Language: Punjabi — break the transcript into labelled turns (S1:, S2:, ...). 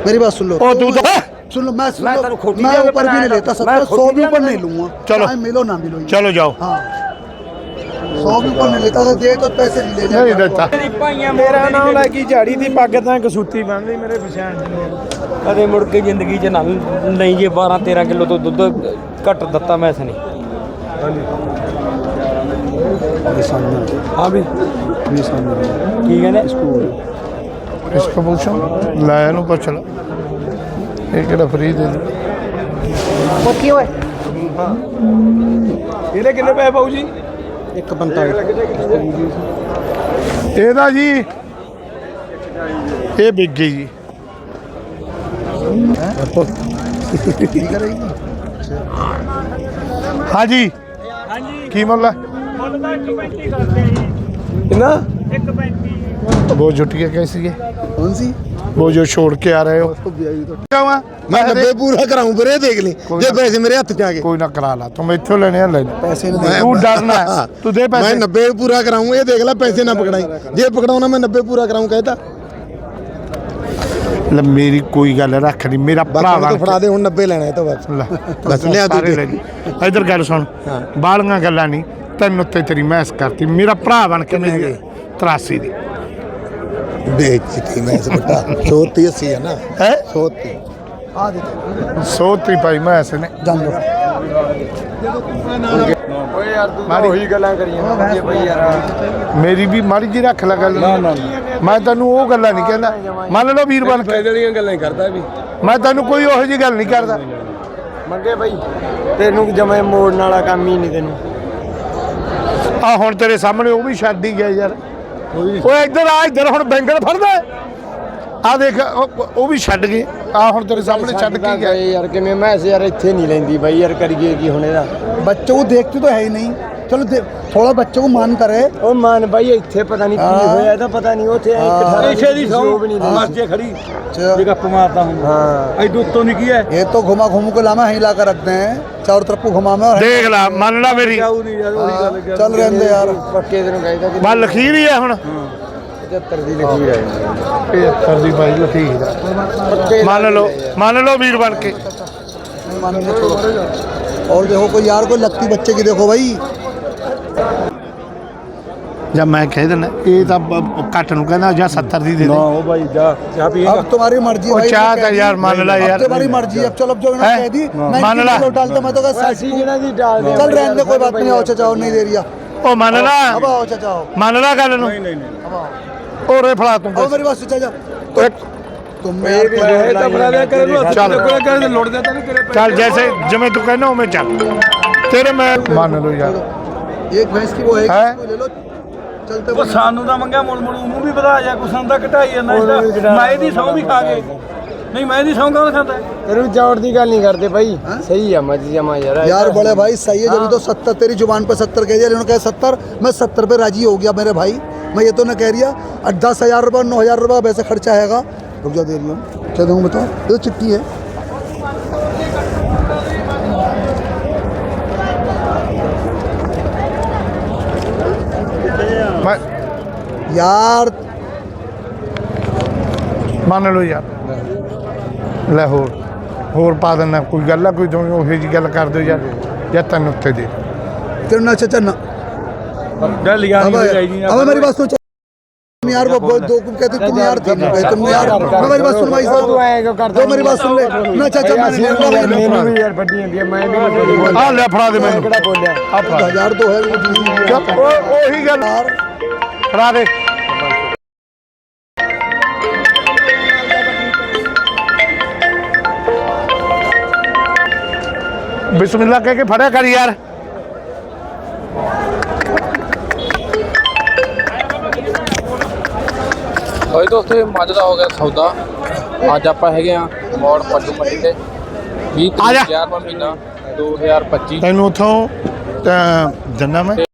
S1: मेरी बात सुन लो।
S2: ओ तू तो
S1: सुन लो, मैं
S3: मैं तेरे खोटी
S1: मैं
S3: जगह
S1: ऊपर
S3: पर
S1: भी नहीं
S3: आया
S1: लेता,
S3: था।
S1: 70
S3: मैं
S1: 100 भी
S3: खोटी
S1: ऊपर
S3: जगह
S1: नहीं लूंगा।
S2: चलो।
S1: चाहे मिलो ना मिलो।
S2: चलो जाओ।
S1: हाँ 100 भी ऊपर नहीं लेता, तो दे तो पैसे नहीं ले
S2: नहीं देता।
S3: ਮੇਰਾ ਨਾਮ ਲੈ ਕੇ ਝਾੜੀ ਦੀ ਪੱਗ ਤਾਂ ਕਸੂਤੀ ਬੰਨਦੀ ਮੇਰੇ ਪਛਾਣ ਚ ਕਦੇ ਮੁੜ ਕੇ ਜ਼ਿੰਦਗੀ 'ਚ ਨਾ ਨਹੀਂ ਜੇ 12 13 ਕਿਲੋ ਤੋਂ ਦੁੱਧ ਘੱਟ ਦਿੱਤਾ ਮੈਂ ਸਨੀ ਹਾਂ ਵੀ ਕੀ ਕਹਿੰਦੇ
S2: इसको पूछो ला नु पूछ लो ये केड़ा फ्री दे दे
S1: की होए
S3: ਇਹਦੇ ਕਿੰਨੇ ਪੈਸੇ ਪਾਉ ਜੀ
S1: 145
S2: ਇਹਦਾ ਜੀ ਇਹ ਵਿਕ ਗਈ ਜੀ ਹਾਂਜੀ
S3: ਹਾਂਜੀ
S2: ਕੀ ਮੁੱਲ ਹੈ
S3: ਮੁੱਲ ਤਾਂ 1.35 ਕਰਦੇ ਆ ਜੀ
S2: ਕਿੰਨਾ
S3: 1.35
S2: वो जुटिया कैसी है
S1: कौन सी
S2: वो जो छोड़ के आ रहे हो क्या हुआ
S1: मैं 90 पूरा कराऊं फिर ये देख ले जे पैसे मेरे हाथ च आ गए
S2: कोई ना करा ला तुम इत्थों लेने हैं ले ले
S1: पैसे
S2: तू डरना है तू दे पैसे
S1: मैं 90 पूरा कराऊं ये देख ले पैसे ना पकड़ाई जे पकड़ाऊं ना मैं 90 पूरा कराऊं कहता
S2: ले मेरी कोई गल रख नहीं मेरा भरा
S1: तो फड़ा दे हुन 90 लेना है तो बस बस ले
S2: सारे ले जी इधर गल सुन बालियां गल्लां नहीं तेन उत्ते तेरी महस करती मेरा भरा बन के मेरी 83 दी
S1: बेचती मैं इस बटा 180 है ना
S2: है
S1: 180 आ दे
S2: 100 पाई महस ने
S1: जान लो
S3: ਓਏ ਯਾਰ ਤੂੰ ਤਾਂ ਉਹੀ ਗੱਲਾਂ ਕਰੀਆਂ ਵਧੀਆ ਬਈ ਯਾਰ
S2: ਮੇਰੀ ਵੀ ਮਾੜੀ ਜੀ ਰੱਖ ਲੈ ਗੱਲ ਮੈਂ ਤੈਨੂੰ ਉਹ ਗੱਲਾਂ ਨਹੀਂ ਕਹਿੰਦਾ ਮੰਨ ਲਓ ਵੀਰ ਬਣ ਕੇ
S3: ਫਾਇਦੇ ਵਾਲੀਆਂ ਗੱਲਾਂ ਹੀ ਕਰਦਾ ਵੀ
S2: ਮੈਂ ਤੈਨੂੰ ਕੋਈ ਉਹੋ ਜਿਹੀ ਗੱਲ ਨਹੀਂ ਕਰਦਾ
S3: ਮੰਗੇ ਬਈ ਤੈਨੂੰ ਜਮੇ ਮੋੜਨ ਵਾਲਾ ਕੰਮ ਹੀ ਨਹੀਂ ਤੈਨੂੰ
S2: ਆ ਹੁਣ ਤੇਰੇ ਸਾਹਮਣੇ ਉਹ ਵੀ ਛੱਡ ਹੀ ਗਿਆ ਯਾਰ ਓਏ ਇੱਧਰ ਹੁਣ ਬੈਂਗਣ ਫੜਦਾ ਆ ਦੇਖ ਉਹ ਵੀ ਛੱਡ ਗਏ ਆ ਹੁਣ ਤੇਰੇ ਸਾਹਮਣੇ ਛੱਡ ਕੇ ਗਿਆ
S3: ਯਾਰ ਕਿਵੇਂ ਮੈਂ ਯਾਰ ਇੱਥੇ ਨਹੀਂ ਲੈਂਦੀ ਬਾਈ ਯਾਰ ਕਰੀਏ ਕੀ ਹੁਣ ਇਹਦਾ
S1: बच्चों को देखते तो है ही नहीं चलो थोड़ा बच्चों को मान करे
S3: ਉਹ ਮਾਨ ਬਾਈ ਇੱਥੇ ਪਤਾ ਨਹੀਂ ਕੀ ਹੋਇਆ ਇਹਦਾ ਪਤਾ ਨਹੀਂ ਉੱਥੇ ਇੱਥੇ ਦੀ ਸੌ ਵੀ ਨਹੀਂ ਮਰਜੇ ਖੜੀ ਜੇ ਗੱਪ ਮਾਰਦਾ ਹੂੰ ਹਾਂ ਐ ਦੁੱਤੋਂ ਨਹੀਂ ਕੀ ਹੈ
S1: ये तो घुमा घूम को लामा हिला कर रखते हैं चारों तरफ को घुमा में और
S2: ਦੇਖ ਲੈ ਮੰਨ ਲੈ ਮੇਰੀ
S3: ਨਹੀਂ ਯਾਰ ਉਹੀ ਗੱਲ
S1: चल रहे हैं यार
S3: ਪੱਕੇ ਤੈਨੂੰ ਕਹਿੰਦਾ ਕਿ
S2: ਮੈਂ ਲਖੀਰ ਹੀ ਆ ਹੁਣ
S3: 75 ਦੀ ਲਖੀਰ ਹੈ
S2: 75 ਦੀ ਬਾਈ ਲਖੀਰ
S3: ਪੱਕੇ
S2: ਮੰਨ ਲਓ ਵੀਰ ਬਣ ਕੇ
S1: नहीं मानेंगे छोड़ो और देखो कोई यार कोई लगती बच्चे की देखो भाई
S2: ਜਦ ਮੈਂ ਕਹਿ ਦਿੰਦਾ ਇਹ ਤਾਂ ਘੱਟ ਨੂੰ ਕਹਿੰਦਾ ਜਾਂ 70 ਦੀ ਦੇ ਦੇ
S3: ਉਹ ਬਾਈ ਜਾ ਚਾਹ ਪੀ
S1: अब तुम्हारी मर्जी
S2: ਉਹ
S1: भाई
S2: ਚਾਹ ਤਾਂ ਯਾਰ ਮੰਨ ਲੈ
S1: अब
S2: ਯਾਰ
S1: तुम्हारी मर्जी अब चलो अब जो इन्होंने कह दी मैं
S2: मान ला।
S1: डालता मैं तो कहा
S3: ਅਸੀਂ ਜਿਹੜਾ ਦੀ डाल दे
S1: चल रहने दे कोई बात नहीं आओ चाचा नहीं दे रही
S2: ਉਹ ਮੰਨ ਲੈ
S1: अब आओ चाचा आओ
S2: ਮੰਨ ਲੈ ਗੱਲ ਨੂੰ
S1: अब आओ
S2: ਓਰੇ ਫੜਾ ਤੂੰ
S1: आओ मेरी बात सुन चाचा तुम यार
S3: ਤਾਂ ਬਣਾ ਲਿਆ ਕਰ
S2: ਚੱਲ।
S3: ਕੋਲ ਕਰ ਲੋੜ ਦੇ ਤਾਂ ਨਹੀਂ ਤੇਰੇ
S2: ਚੱਲ ਜੈਸੇ ਜਿਵੇਂ ਤੂੰ ਕਹਿੰਦਾ ਉਵੇਂ ਚੱਲ ਤੇਰੇ ਮੈਂ ਮੰਨ ਲਓ ਯਾਰ
S1: एक भैंस की वो है
S2: हैं?
S1: इसको ले लो चलते
S3: ਉਹ ਸਾਨੂੰ ਤਾਂ ਮੰਗਿਆ ਮੁੜ ਉਹਨੂੰ ਵੀ ਵਧਾ ਜਾ ਕੁਛ ਦਾ ਘਟਾਈ ਜਾਂਦਾ ਇਹਦਾ ਮੈਂ ਇਹਦੀ ਸੌਂ ਵੀ ਖਾ ਗਏ ਨਹੀਂ ਮੈਂ ਇਹਦੀ ਸੌਂ ਕੌਣ ਖਾਂਦਾ ਤੈਨੂੰ ਜੌੜ ਦੀ ਗੱਲ ਨਹੀਂ ਕਰਦੇ ਭਾਈ ਸਹੀ ਆ ਮੱਝ ਜਮਾ
S1: यार बड़े भाई सही है जब तो 70 तेरी जुबान पे 70 कह दिया इन्होंने कहा 70 मैं 70 पे राजी हो गया मेरे भाई मैं ये तो न कह रही है 10,000 रुपये 9,000 रुपये वैसे खर्चा आएगा रुक जा दे रही हूँ क्या दूँ बताओ ये तो चिट्ठी है
S2: ਮੈਂ
S1: यार
S2: ਮੰਨ ਲਓ ਯਾਰ ਲੈ ਹੋਰ ਪਾ ਦੇਣਾ ਕੋਈ ਗੱਲ ਆ ਕੋਈ ਤੁਸੀਂ ਉਹੋ ਜਿਹੀ ਗੱਲ ਕਰ ਦਿਓ ਯਾਰ ਜਾਂ ਤੈਨੂੰ ਉੱਤੇ ਦੇ
S1: तेरे ना चाचा ना
S3: ਗੱਲ
S1: अब अब मेरी बात सुन तुम यार वो दो कहते तुम यार थे तुम यार मैं मेरी बात सुन भाई साहब दो मेरी बात सुन ले ना चाचा
S3: ਮੈਨੂੰ ਵੀ ਯਾਰ ਵੱਡੀ ਹੁੰਦੀ ਹੈ ਮੈਂ ਵੀ
S2: ਆ ਲੈ ਫੜਾ ਦੇ ਮੈਨੂੰ
S3: ਕਿਹੜਾ ਬੋਲਿਆ
S2: ਆ ਫੜਾ
S1: 1000 तो है
S2: ਚੱਲ, ਉਹੀ ਗੱਲ
S1: यार
S2: ਫੜਾ ਦੇ ਬਿਸਮਿਲ੍ਲਾ ਕਹਿ ਕੇ ਫੜਿਆ ਕਰ ਯਾਰ
S4: ਹੋਈ ਦੋਸਤੋ ਇਹ ਮੱਝ ਦਾ ਹੋ ਗਿਆ ਸੌਦਾ ਅੱਜ ਆਪਾਂ ਹੈਗੇ ਆ ਮੋੜ ਪੱਟੂ ਮੰਡੀ ਤੇ 20
S2: ਆ ਜਾ।
S4: ਤਰੀਕ 11ਵਾਂ ਮਹੀਨਾ 2025
S2: ਤੈਨੂੰ ਉੱਥੋਂ ਜੰਨਾ ਮੈਂ